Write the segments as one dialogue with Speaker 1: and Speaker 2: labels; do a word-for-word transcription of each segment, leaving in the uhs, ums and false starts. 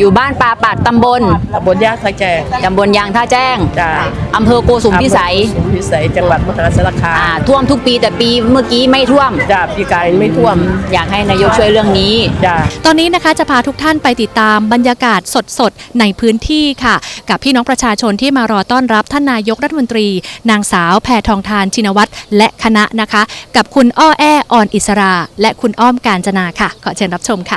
Speaker 1: อยู่บ้านปาปัดตำบล
Speaker 2: ตำบลยางท่าแจ้ง
Speaker 1: ตำบลยางท่าแจ้ง
Speaker 2: จ้า
Speaker 1: อำเภอโกสุมพิสัย
Speaker 2: พิสัยจังหวัดมหาสารคาม
Speaker 1: ท่วมทุกปีแต่ปีเมื่อกี้ไม่ท่วม
Speaker 2: จ้าปีกายไม่ท่วม
Speaker 1: อยากให้นายกช่วยเรื่องนี้
Speaker 2: จ้า
Speaker 3: ตอนนี้นะคะจะพาทุกท่านไปติดตามบรรยากาศสดๆในพื้นที่ค่ะกับพี่น้องประชาชนที่มารอต้อนรับท่านนายกรัฐมนตรีนางสาวแพทองธารชินวัตรและคณะนะคะกับคุณอ้อแอ้ออนอิสราและคุณอ้อมกาญจนาค่ะขอเชิญรับชมค่ะ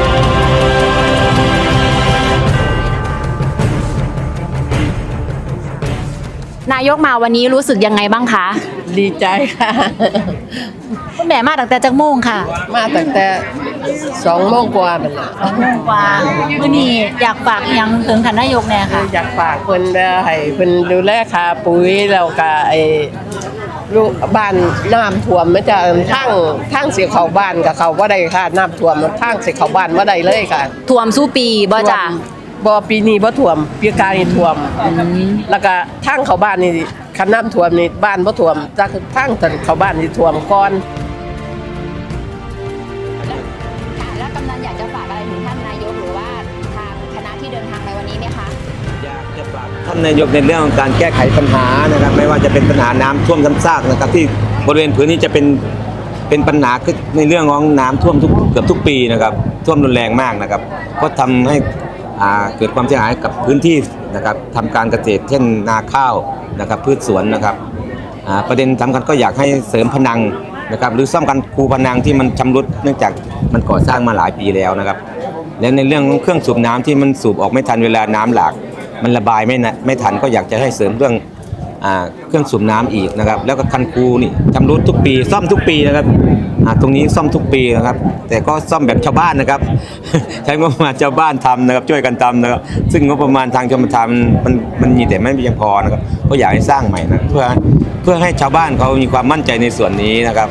Speaker 1: นายกมาวันนี้รู้สึกยังไงบ้างคะ
Speaker 2: ดีใจค่ะ
Speaker 1: คุณแม่มาตั้งแต่จักโมงค่ะ
Speaker 2: มาตั้งแต่สองโมงกว่าเป็นละ
Speaker 1: สองโมงกว่าวันนี้อยากฝากยังถึงท่านนายกแน่ค่ะ
Speaker 2: อยากฝากเพิ่นให้เพิ่นดูแลค่าปุ๋ยแล้วก็ไอ้ลูกบ้านน้ำท่วมมันจะทั้งทั้งเสียเขาบ้านกับเขาว่าได้ค่ะน้ำท่วมทั้งเสียเขาบ้านว่าได้เลยค่ะ
Speaker 1: ท่วมสู้ปีบ่จ้า
Speaker 2: บ่ปีนี้บ่ท่วมปีกายท่วมแล้วก็ทางเขาบ้านนี่คันน้ำท่วมนี่บ้านบ่ท่วมจากทางเขาบ้านนี่ท่วมก่อน
Speaker 1: แล้วกำนันอยากจะฝากอะไรถึงท่านนายกหรือว่าทางคณะที่เดินทางในวันนี้ไหมคะ
Speaker 4: อยากจะฝากท่านนายกในเรื่องของการแก้ไขปัญหานะครับไม่ว่าจะเป็นปัญหาน้ำท่วมซ้ำซากนะครับที่บริเวณพื้นนี้จะเป็นเป็นปัญหาในเรื่องของน้ำท่วมทุกเกือบทุกปีนะครับท่วมรุนแรงมากนะครับก็ทำให้เกิดความเสียหายกับพื้นที่นะครับทำการเกษตรเช่นนาข้าวนะครับพืชสวนนะครับประเด็นสำคัญก็อยากให้เสริมพนังนะครับหรือซ่อมกันคูพนังที่มันชำรุดเนื่องจากมันก่อสร้างมาหลายปีแล้วนะครับและในเรื่องเครื่องสูบน้ำที่มันสูบออกไม่ทันเวลาน้ำหลากมันระบายไม่ไม่ทันก็อยากจะให้เสริมเรื่องเครื่องสูบน้ำอีกนะครับแล้วก็คันคูนี่ชำรุดทุกปีซ่อมทุกปีนะครับตรงนี้ซ่อมทุกปีนะครับแต่ก็ซ่อมแบบชาวบ้านนะครับใช้งบประมาณชาวบ้านทำนะครับช่วยกันทำนะครับซึ่งงบประมาณทางชมทานมันมันมีแต่ไม่เพียงพอนะครับก็อยากให้สร้างใหม่นะเพื่อเพื่อให้ชาวบ้านเขามีความมั่นใจในส่วนนี้นะครับ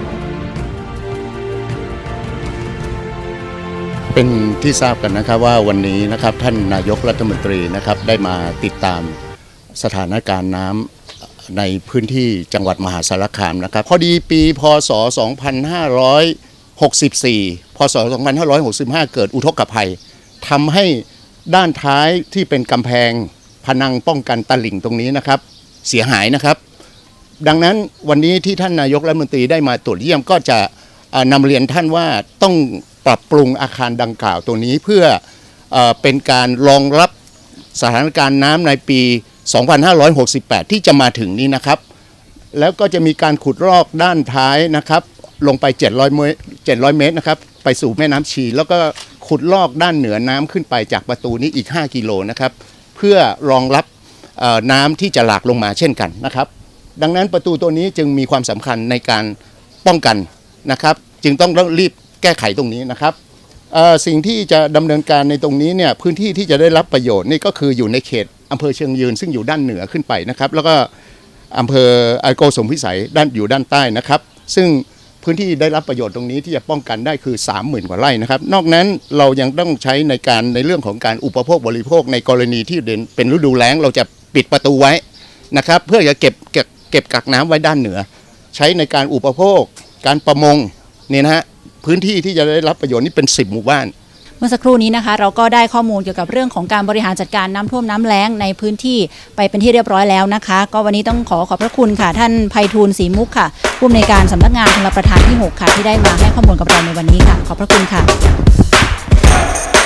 Speaker 5: เป็นที่ทราบกันนะครับว่าวันนี้นะครับท่านนายกรัฐมนตรีนะครับได้มาติดตามสถานการณ์น้ำในพื้นที่จังหวัดมหาสารคามนะครับพอดีปีพศสองพันห้าร้อยหกสิบสี่พศสองพันห้าร้อยหกสิบห้าเกิดอุทกภัยทำให้ด้านท้ายที่เป็นกำแพงพนังป้องกันตลิ่งตรงนี้นะครับเสียหายนะครับดังนั้นวันนี้ที่ท่านนายกรัฐมนตรีได้มาตรวจเยี่ยมก็จะนำเรียนท่านว่าต้องปรับปรุงอาคารดังกล่าวตัวนี้เพื่อเอ่อเป็นการรองรับสถานการณ์น้ำในปีสองพันห้าร้อยหกสิบแปดที่จะมาถึงนี้นะครับแล้วก็จะมีการขุดลอกด้านท้ายนะครับลงไปเจ็ดร้อยเมตรเจ็ดร้อยเมตรนะครับไปสู่แม่น้ำชีแล้วก็ขุดลอกด้านเหนือน้ำขึ้นไปจากประตูนี้อีกห้ากิโลนะครับเพื่อรองรับน้ำที่จะหลากลงมาเช่นกันนะครับดังนั้นประตูตัวนี้จึงมีความสำคัญในการป้องกันนะครับจึงต้องรีบแก้ไขตรงนี้นะครับสิ่งที่จะดำเนินการในตรงนี้เนี่ยพื้นที่ที่จะได้รับประโยชน์นี่ก็คืออยู่ในเขตอำเภอเชียงยืนซึ่งอยู่ด้านเหนือขึ้นไปนะครับแล้วก็อำเภอโกสุมพิสัยด้านอยู่ด้านใต้นะครับซึ่งพื้นที่ได้รับประโยชน์ตรงนี้ที่จะป้องกันได้คือ สามหมื่น กว่าไร่นะครับนอกนั้นเรายังต้องใช้ในการในเรื่องของการอุปโภคบริโภคในกรณีที่เป็นฤดูแล้งเราจะปิดประตูไว้นะครับเพื่อจะเก็บเก็บเก็บกักน้ำไว้ด้านเหนือใช้ในการอุปโภคการประมงเนี่ยนะฮะพื้นที่ที่จะได้รับประโยชน์นี่เป็นสิบหมู่บ้าน
Speaker 3: เมื่อสักครู่นี้นะคะเราก็ได้ข้อมูลเกี่ยวกับเรื่องของการบริหารจัดการน้ำท่วมน้ำแล้งในพื้นที่ไปเป็นที่เรียบร้อยแล้วนะคะก็วันนี้ต้องขอขอบพระคุณค่ะท่านไพฑูรย์ศรีมุกค่ะผู้อำนวยการสำนักงานชลประทานที่หกค่ะที่ได้มาให้ข้อมูลกับเราในวันนี้ค่ะขอบพระคุณค่ะ